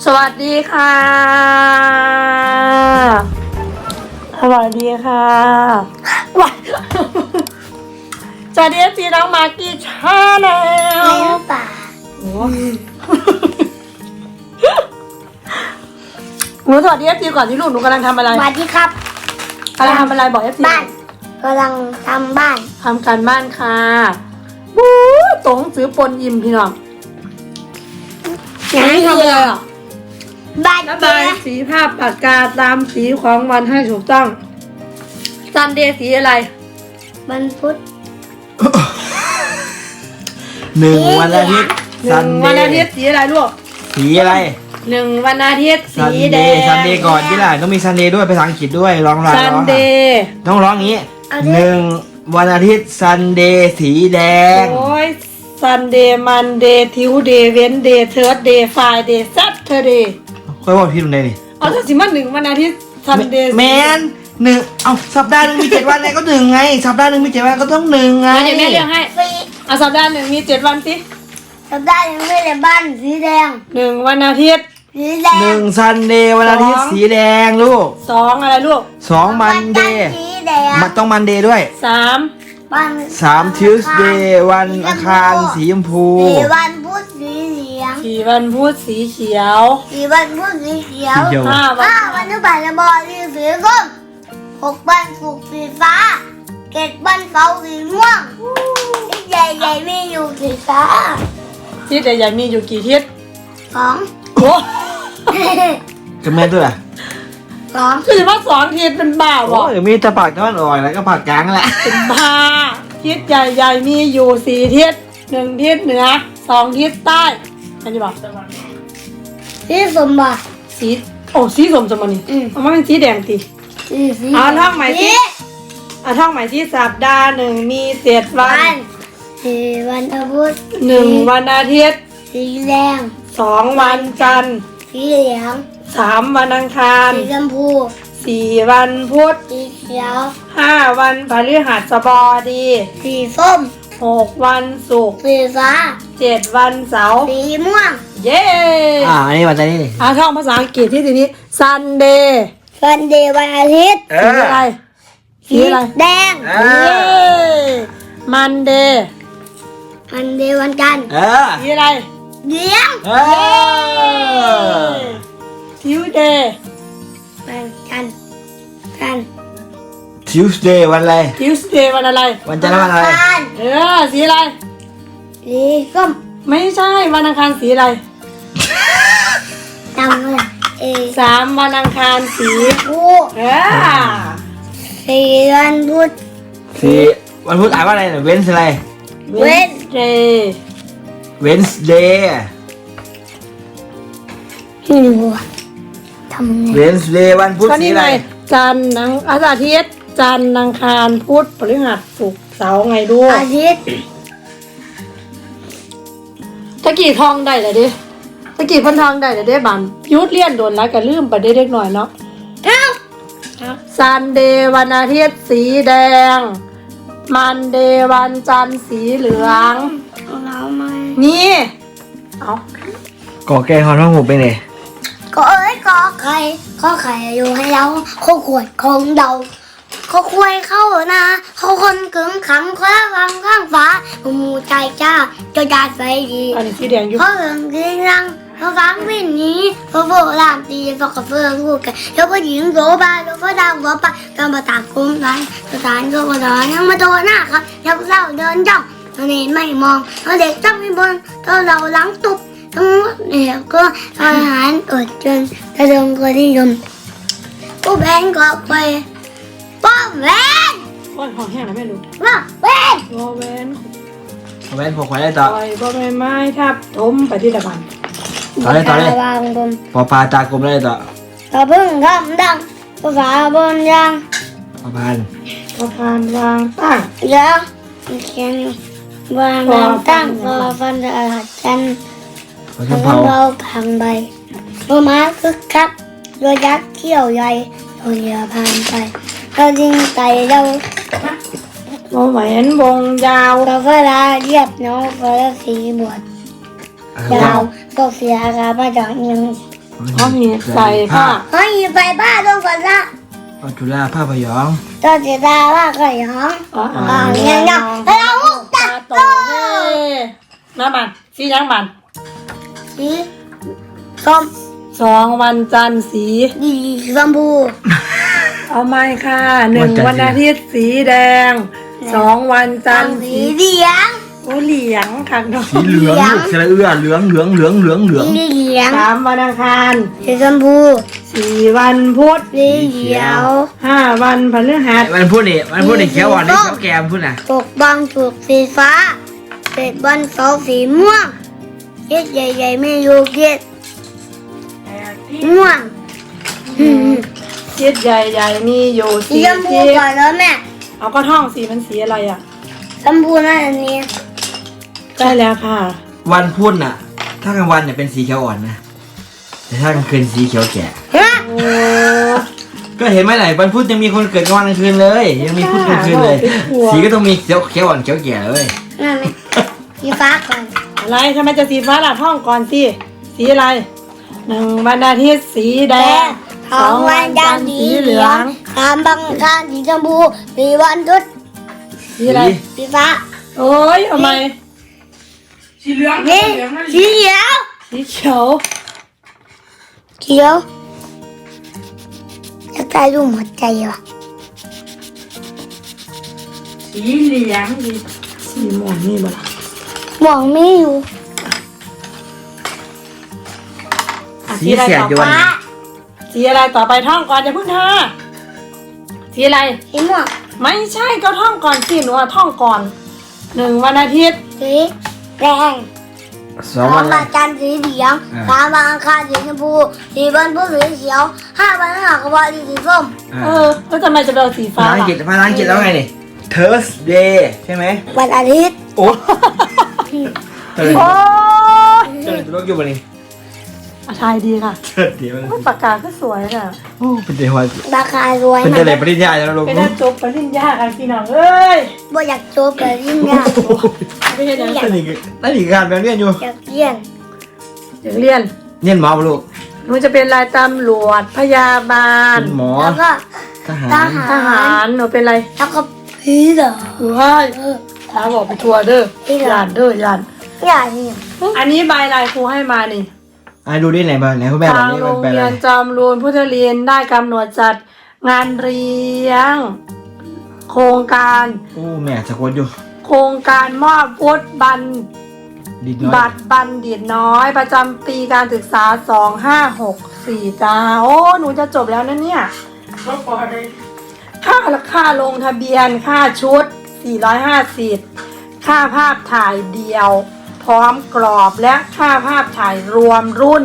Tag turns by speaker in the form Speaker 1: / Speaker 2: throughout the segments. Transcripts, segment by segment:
Speaker 1: สวัสดีค่ะสวัสดีค่ะสวัสดีจีน้องมากกี้ชาแนล
Speaker 2: ในป่า
Speaker 1: หนูสวัสดีจีก่อนที่ลูกหนูกำลังทำอะไร
Speaker 2: สวัสดีครับ
Speaker 1: กำลังทำอะไรบอกจี
Speaker 2: บ้านกำลังทำบ้าน
Speaker 1: ทำการบ้านค่ะบู๊ตรงซื้อปนยิมพี่น้องอย่างนี้ทำอะไรอ่ะ
Speaker 2: บ้าน
Speaker 1: ระ
Speaker 2: เจ๊
Speaker 1: บายสีภาพปากกาตามสีของวันให้ถูกต้องซันเดย์สีอะไร
Speaker 2: วันพุธ
Speaker 3: หนึ่งวันอาทิตย์
Speaker 1: หนึ่งวันอาทิตย์สีอะไรลูก
Speaker 3: สีอะไร
Speaker 1: หนึ่งวันอาทิตย์
Speaker 3: ซั
Speaker 1: สี
Speaker 3: น
Speaker 1: แด
Speaker 3: เด
Speaker 1: ง
Speaker 3: ย์ซันเดย์ก่อนที่ล่ะต้องมีซันเดย์ด้วยภาษาอังกฤษด้วยร้องร้อง
Speaker 1: ซัน
Speaker 3: ร้อง
Speaker 1: เดย์
Speaker 3: ต้องร้องอย่างนี้หนึ่งวันอาทิตย์ซันเดย์สีแดง
Speaker 1: โอ้ยซันเดย์มันเดย์ทิวเดย์เวนเดย์เทิร์ดเดย์ฟรายเดย์ซัตเทอร์เดย์
Speaker 3: ค่อยบอกพี่ตรงไหนนี่
Speaker 1: เอาถ้าสิมาหนึ่งวันอาทิตย์ซันเดย์
Speaker 3: แมนหนึ่งเอาสัปดาห์หนึงมี7 วันไงก็หนึ่งไงสัปดาห์หนึงมี7 วันก็ต้องหนึ่งไง
Speaker 1: เดี๋ยวแม่เรียกให้
Speaker 2: สี
Speaker 1: เอาสัปดาห์หนึ่งมี7 วันสิ
Speaker 2: สัปดาห์ยังไม่ได้บ้านสีแดง
Speaker 1: หนึ่งวันอาทิตย์
Speaker 2: สีแดง
Speaker 3: หนึ่งซันเดย์วันอาทิตย์สีแดงลูก
Speaker 1: สองอะไรลูก
Speaker 3: สองมันเดย์
Speaker 2: สีแดง
Speaker 3: มันต้องมันเดย์ด้วย
Speaker 1: สาม
Speaker 2: วัน
Speaker 3: 3 Tuesday วันอังคารสีชมพู
Speaker 2: สีวันพุธสีเหลือง
Speaker 1: สี่วันพุธสีเขียว
Speaker 2: สีวันพุธสีเขียว
Speaker 3: สีเขียว
Speaker 1: ห้าวัน
Speaker 2: วันพฤหัสบดีสีส้ม6 วันศุกร์สีฟ้า7 วันเสาร์สีม่วงที่ใหญ่ๆมีอยู่สีฟ้า
Speaker 1: ทิศใหญ่ๆมีอยู่กี่ทิศ
Speaker 2: 2
Speaker 1: โอ้
Speaker 3: กับแม่ด้วยล่ะ
Speaker 1: คือว่า2 ทิศเป็นบ้า
Speaker 3: โอ้
Speaker 1: บ่
Speaker 3: ยมีแต่ปากตะวันออกแล้วก็ปากกลางแหละ
Speaker 1: เป็นบ้าทิศใหญ่ๆมีอยู่4 ทิศ1 ทิศเหนือ2 ทิศใต้อันนี้บอก
Speaker 2: สีสมบัติ
Speaker 1: สีโอ้สีสมมันนี่ เอามาเป็นสีแดงสิ
Speaker 2: สี
Speaker 1: เอาท่องใหม่สิเอาท่องใหม่สิสัปดาห์หนึ่งมี7 วัน
Speaker 2: สีวันพุธ
Speaker 1: 1 วันอาทิตย์
Speaker 2: สีแดง
Speaker 1: 2 วันจันทร์
Speaker 2: สีเหลือง
Speaker 1: 3 วันอังคาร
Speaker 2: สีชมพู
Speaker 1: 4 วันพุธ
Speaker 2: สีเขียว
Speaker 1: 5 วันพฤหัสบดี
Speaker 2: สีส้ม
Speaker 1: 6 วันศุกร์
Speaker 2: สีฟ้า
Speaker 1: 7 วันเสาร์
Speaker 2: สีม่วง
Speaker 1: เย้
Speaker 3: อันนี้วันจันทร์นี่
Speaker 1: เอาท่องภาษาอังกฤษที่ทีนี้ Sunday
Speaker 2: วันเดย์วันอาทิตย์
Speaker 1: สีอะไรสีอะไร
Speaker 2: แดง
Speaker 3: เอ
Speaker 1: เย้ Monday
Speaker 2: วันเดย์วันจันทร์
Speaker 1: สีอะไร
Speaker 2: เหลือง
Speaker 1: Tuesday
Speaker 2: วันจันทร์กัน
Speaker 3: Tuesday วันอะไร
Speaker 1: Tuesday วันอะไร
Speaker 3: วันจันทร์วันอะไร
Speaker 2: อังคาร
Speaker 1: สีอะไร
Speaker 2: สีส้ม
Speaker 1: ไม่ใช่วันอังคารสีอะไร
Speaker 2: จำเลย
Speaker 1: 3 วันอังคารสี
Speaker 2: ผู้ สีวันพุธ
Speaker 3: สี่วันพุธอ่านว่าอะไรเนี่ย Wednesday อะไร
Speaker 1: Wednesday
Speaker 3: Wednesday
Speaker 2: ไม่รู้อะทำไง
Speaker 3: Wednesday วันพุธ
Speaker 1: ก็
Speaker 3: สี
Speaker 1: นี่
Speaker 3: อะไร
Speaker 1: ไงจันทร์อาทิตย์จันทร์อังคารพุธพฤหัสศุกร์เสาร์ไงด้วย
Speaker 2: อาทิตย์
Speaker 1: ตะกี้ทองได้เลยดิตะกี้เพันทองได้เลยเด้บัมยุดเลี่ยนโดนแล้วก็ลืมไปได้เล็กหน่อยเนาะ
Speaker 2: เอ้า
Speaker 1: ซันเดย์วันอาทิตย์สีแดงมันเดย์วันจันทร์สีเหลือง
Speaker 2: เราไม่
Speaker 1: นี่เอา
Speaker 3: ก่อแกงฮอนห้องหมูเป็นไง
Speaker 2: ก็ก็ไข่ก็ไข่อยู่ให้เราเขาขวดของเราเขาควยเข้านะเขาคนกึ่งขังเขาฟังข้างฟ้าหมูใจจ้าจะดาดไฟดี
Speaker 1: อันนี้สีแดงอยู่
Speaker 2: เขาเรื่องกินรังเขาฟังวิ่งหนีเขาโบราณตีเขากระเฟืองลูกกันแล้วก็หญิงโสบายแล้วก็ดาวหัวไปก็มาตามคุ้มกันสถานก็มาดอนยังมาโดนหน้าครับยังเศร้าเดินจ้องตอนนี้ไม่มองเขาเด็กจ้องไม่บนตอนเราหลังตุบทั้งหมดเนี่ยก็อาหารอดจนกระดงก็นิยมผู้แบงก็ไปป้าแวน
Speaker 1: โอ้ยหอมแห้งแล้วแม่รู้
Speaker 2: ป้าแวน
Speaker 1: บอแวน
Speaker 3: แว่นผมขอได้ต่อ
Speaker 1: ปล่อยบอใบไม้ทับถมไปที่ตะบัน
Speaker 3: ต่อเลยต่อเลย
Speaker 2: วางบน
Speaker 3: พอปลาตากลมได้ต่อ
Speaker 2: กระพึ่งคำดังภาษาบนยาง
Speaker 3: พอพัน
Speaker 1: พอพานวางตั้ง
Speaker 2: แล้วเขียนวางน้ำตั้งพอฟันจะอาหัดจัน
Speaker 3: พอ
Speaker 2: ขอ
Speaker 3: ช
Speaker 2: ง
Speaker 3: มเผา
Speaker 2: เราพังใบโลมาคึกคักโดยยักษ์เขี้ยวใหญ่โดยเรือผ่านไปเรายิงไก่เรา
Speaker 1: บอแหวนวงยาว
Speaker 2: เราเวลาเรียบน้องก็สีบวชยาวก็เสียกามาจากยัง
Speaker 1: อ๋อมีใส่ผ้า
Speaker 2: เฮ้ยไปบ้านต้องก่อนละ
Speaker 3: เอาจุฬาผ้าพยอง
Speaker 2: ตัวเสียดายว่าก็ยัง
Speaker 1: อ๋อ
Speaker 2: ยังแล้วเราตัด
Speaker 1: โตเฮ้น้ำมันสียังมัน
Speaker 2: สีส้ม
Speaker 1: 2 วันจันทร์สี
Speaker 2: ดีชมพู
Speaker 1: เอาไหมค่ะ1 วันอาทิตย์สีแดง 2 วันจันทร์
Speaker 2: สี
Speaker 1: สี
Speaker 2: เหลือง
Speaker 1: โอ้เหลียงค่ะน้อง
Speaker 3: สีเหลืองลูกสระเอื้อเหลืองเหลืองเหลืองเหลืองเหลือง
Speaker 2: สีเหลือง
Speaker 1: 3 วันอังคาร
Speaker 2: สีชมพู
Speaker 1: 4 วันพุธ
Speaker 2: สีเขียว
Speaker 1: 5 วันพฤหัส
Speaker 3: มันพูดนี่เขียวอ่อนนี่เขียวแกมพูดน่ะ
Speaker 2: ปกบางถูกสีฟ้าเศษบอลเสาสีม่วงเย็ดใหญ่ๆไม่อยู่เย็ดม่วง
Speaker 1: เจ็ดใหญ่ๆนี่อยู่
Speaker 2: สี
Speaker 1: สี
Speaker 2: ชมพู
Speaker 1: ที่
Speaker 2: ก่อนแล้วแม่
Speaker 1: เอาก็ท่องสีมันสีอะไรอ่ะ
Speaker 2: ชมพูนั่นอันนี้
Speaker 1: ได้แล้วค่ะ
Speaker 3: วันพุธน่ะ ถ้ากลางวันเนี่ยเป็นสีเขียวอ่อนนะแต่ถ้ากลางคืนสีเขียวแก่
Speaker 2: ฮะ
Speaker 1: โอ้
Speaker 3: ก็เห็นไหมไหนวันพุธยังมีคนเกิดกลางวันกลางคืนเลย ยังมีพุธกลางคืนเลย สีก็ต้องมีเขียวอ่อนเขียวแก่เลย
Speaker 2: นั่นไหมสีฟ้าก่อน
Speaker 1: อะไรทำไมจะสีฟ้าล่ะท่องก่อนสิสีอะไร1 วันอาทิตย์สีแดง
Speaker 2: 2 วันจันทร์สีเหลือง3 วันอังคารสีชมพู4 วันพุธ
Speaker 1: สีอะไร
Speaker 2: สีฟ้า
Speaker 1: โอ้ยเอาไหม
Speaker 2: นี่สีเขียว
Speaker 1: สีเขียว
Speaker 2: เขียวจะตายรูปหัวใจวะ
Speaker 1: สีเหลืองสีม่วงนี่บ่ล่ะ
Speaker 2: มองไม่อยู่
Speaker 1: อ่ะ
Speaker 3: สี
Speaker 1: สีอะไร
Speaker 3: เสียด
Speaker 1: ต่อ
Speaker 3: อยู่
Speaker 1: ไป
Speaker 3: วันนี้
Speaker 1: สีอะไรต่อไปท่องก่อนอย่าเพิ่งท่าสีอะไร
Speaker 2: สีม่วง
Speaker 1: ไม่ใช่ก็ท่องก่อนสิหนูอะท่องก่อน1 วันอาทิตย์
Speaker 2: สีแดง
Speaker 3: สอง
Speaker 2: 3
Speaker 3: วั
Speaker 2: วัน นจันทร์สีเหลือง
Speaker 3: อ่า
Speaker 2: 3 วันอังคารสีชมพู4 วันพุธสีเขียว5 วันพฤหัสสีส้ม
Speaker 1: แล้วทำไมจะเป็นสีฟ้า
Speaker 3: ภาษาอังกฤษภาษาอังกฤษแล้วไงนี่ Thursday ใช่ไหม
Speaker 2: วันอาทิตย์
Speaker 3: โอ้เออ
Speaker 1: โอ้ย
Speaker 3: เจอตัวอยู่วันนี้
Speaker 1: อ่ะทายดีค่ะ
Speaker 3: เชิดเดี๋ยวมัน
Speaker 1: โอ้ยปากกาก็สวยน่ะ
Speaker 3: โอ้เป็นเดี๋ยว
Speaker 2: ราคารวย
Speaker 3: เป็น
Speaker 2: นะ
Speaker 3: เดี๋ยวอะไรปริญญาแล้วลูก
Speaker 1: เป็นได้จบปริญญากันพี่น้องเอ้ย
Speaker 2: บ่อยากโจบแบบยิ่งยาก
Speaker 1: ไม่ใช่อย่าง
Speaker 3: นั่นอีกการแบบเรียนอยู่
Speaker 2: อยากเรียน
Speaker 1: อยากเรียน
Speaker 3: เรียนหมอปะลูก
Speaker 1: หนูจะเป็นนายตำรวจพยาบาล
Speaker 3: เป็นหมอ
Speaker 2: แล้วก็
Speaker 3: ทหาร
Speaker 1: ทหารหนูเป็นอะไร
Speaker 2: แล้วก็ผีเหรอ
Speaker 1: ว้ายท้าบอกไปทัวร์เด้อ
Speaker 2: พี่เหรอ
Speaker 1: ยานเด้อยาน
Speaker 2: อยากนี่
Speaker 1: อันนี้ใบลายครูให้มานี่
Speaker 3: ดูดิไหนบ้างไหนคุณแม่บอก
Speaker 1: ทาง
Speaker 3: นี่
Speaker 1: โร
Speaker 3: มัน
Speaker 1: ง
Speaker 3: เป็นอะ
Speaker 1: เรี
Speaker 3: ไร
Speaker 1: ยนจอมรูนพุทธเรียนได้กำหนดจัดงานเรียง โครงการ
Speaker 3: โอ้แม่สะกดอยู่
Speaker 1: โครงการมอบวุฒิบัณ
Speaker 3: ดิดน้อย
Speaker 1: บัตรบัณฑิตน้อย ประจำปีการศึกษา 2564จ้าโอ้ หนูจะจบแล้วนะเนี่ยค่าลงทะเบียนค่าชุด 450 ค่าภาพถ่ายเดียว พร้อมกรอบและค่าภาพถ่ายรวมรุ่น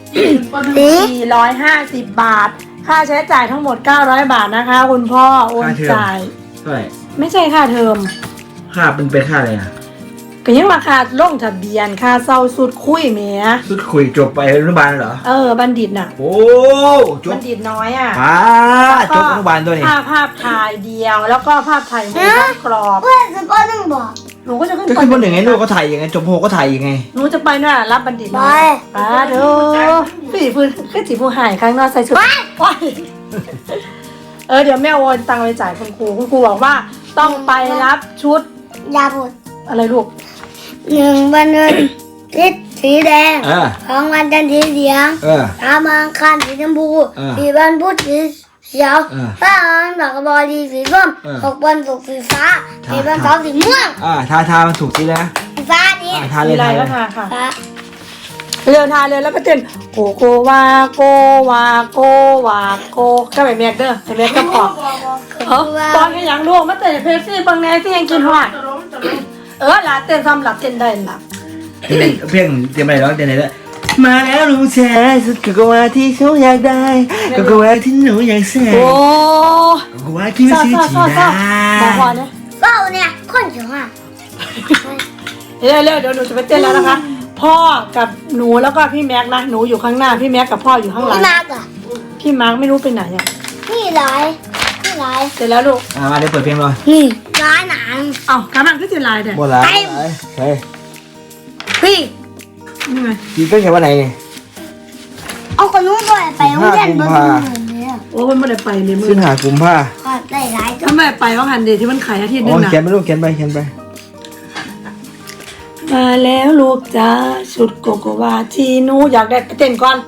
Speaker 1: 450 บาท ค่าใช้จ่ายทั้งหมด 900 บาทนะคะ คุณพ่อโอนจ่าย
Speaker 3: เท่าไหร่
Speaker 1: ไม่ใช่ค่าเทอม
Speaker 3: ค่าเป็นค่าอะไรอ่ะ
Speaker 1: ก็ยังมาค่าลงทะเบียนค่าเศร้าสุดคุยแหม
Speaker 3: สุดคุยจบไปอนุบาลเหรอ
Speaker 1: บัณฑิตน่ะ
Speaker 3: โอ้จ
Speaker 1: บั
Speaker 3: บ
Speaker 1: ณฑิตน้อยอ่ะ
Speaker 3: ป้าจบอนุบาลตัวนี้
Speaker 1: ค่าภาพถ่ายเดียว แล้วก็ภาพถ่ายมุมกรอบ
Speaker 2: เพื่อนสปอร์ตบอก
Speaker 1: หนูก็จะขึ้น
Speaker 3: จะขึ้นบนหนึ่งไงลูกก็ถ่ายยังไงจบโฮก็ถ่ายยังไง
Speaker 1: หนูจะไปน่ะรับบัณฑิต
Speaker 2: ไป
Speaker 1: น้อยป้าเด้อพี่พื้นก็จีผู้หายข้างนอกใส่ชุดว้ายเดี๋ยวแม่โอนตังค์ไปจ่ายคุณครูบอกว่าต้องไปรับชุด
Speaker 2: ยาบุตร
Speaker 1: อะไรลูก
Speaker 2: 1 วันอาทิตย์สีแดง 2 วันจันทร์สีเหลือง 3 วันอังคารสีชมพู4 วันพุธสีเขียว5 วันดอกกระบอกสีส้ม6 วันศุกร์สีฟ้า4 วันเสาร์สีม่วง
Speaker 3: ทามันถูกสีแล้ว
Speaker 2: สีฟ้านี้
Speaker 3: ทาเล
Speaker 1: มี
Speaker 3: ย
Speaker 1: อะไร
Speaker 3: ทาเล
Speaker 1: ก็
Speaker 3: ย
Speaker 1: ทาค่ะ
Speaker 2: ฟ้า
Speaker 1: เร็วทาเลยแล้วก็เต้นโกโกวาโกวาโกวาโกก็แบบแม็กเด้อแบบแม็กก็พอตอนให้ยังลูกมาเต้นเพลซี่บางแน่ที่ยังกินหอดลาเต้นซ้ำหลับเต้นได้หลับ
Speaker 3: เพียงเตรียมอะไรร้องเตรียมอะไรแล้วมาแล้วลุงแชร์สุดกว่าที่เขาอยากได้ก็ว่าที่หนูอยากแซ่
Speaker 1: โอ้
Speaker 3: ก็ว่าที่ไม่ชื่อจีน่า
Speaker 1: ขอพอเนี่ย
Speaker 2: เป้าเนี่ยคนเขียวอ่ะ
Speaker 1: เร็วเดี๋ยวหนูจะไปเต้นแล้วนะคะ พ่อกับหนูแล้วก็พี่แม็กนะหนูอยู่ข้างหน้าพี่แม็กกับพ่ออยู่ข้างหลัง
Speaker 2: พี่มากอ่ะ
Speaker 1: พี่มาร์กไม่รู้ไปไหนอ่ะ
Speaker 2: นี่ร้ายนี่ร้าย
Speaker 1: เสร็จแล้วลูก
Speaker 3: มาเดี๋ยวเปิดเพลงเลย
Speaker 2: นี่ร้ายหนัง
Speaker 1: เอ้ากำลังก็จะลายเด้อ
Speaker 3: หมดแล้วเฮ้ย
Speaker 2: พี่
Speaker 1: นี่ไง
Speaker 3: จีก็แค่วันไหน
Speaker 2: เอาขนมบ่อยไปโรงเรียนบ่เหมือนเลย
Speaker 1: โอ้มันไม่ได้ไปเลยมึง
Speaker 3: สิงหากุมภา
Speaker 2: ก็ได้หลายตัว
Speaker 1: ทำไมไปว่าหันเดที่มันขายอาทิตย์หนึ
Speaker 3: อ๋อง
Speaker 1: นะ
Speaker 3: เขียนไปลูกเขียนไป
Speaker 1: มาแล้วลูกจ้าชุดโกโกวาที่หนูอยากได้ไปเต้นก่อน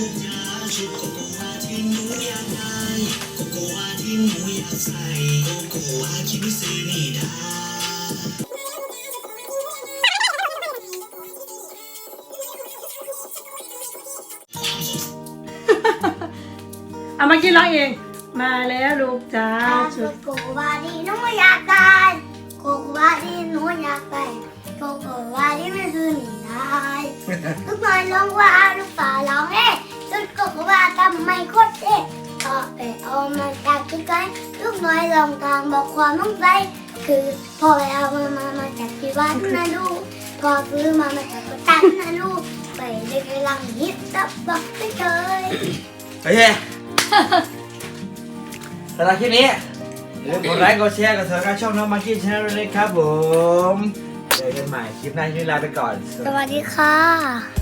Speaker 1: เอามากินร้องเอง มาแล้วลูกจ้าชุ
Speaker 2: ชุ
Speaker 1: ด
Speaker 2: ดโกวาดีหนูอยากได้โกวาดีหนูอยากได้โกวาดีไม่คือหนีได้ลูกน้อยร้องว่าลูกป่าร้องเอ๊ะชุดโกวาทำไมโคตรเอ๊ะก็ไปเอามาจากที่ไกลลูกน้อยลองทางบอกความต้องใจคือพ่อไปเอามาจากที่บ้านนะลูกพอซื้อมาจากกระตันนะลูกไปได้กำลังฮิตตับบอกไม่เคย
Speaker 3: โอเคสำหรับคลิปนี้อย่าลืมกดไลค์กดแชร์กดติดตามช่องน้องมาร์กี้ชาแนลด้วยนะครับผมเจอกันใหม่คลิปหน้าที่นี้ลาไปก่อน
Speaker 2: สวัสดีค่ะ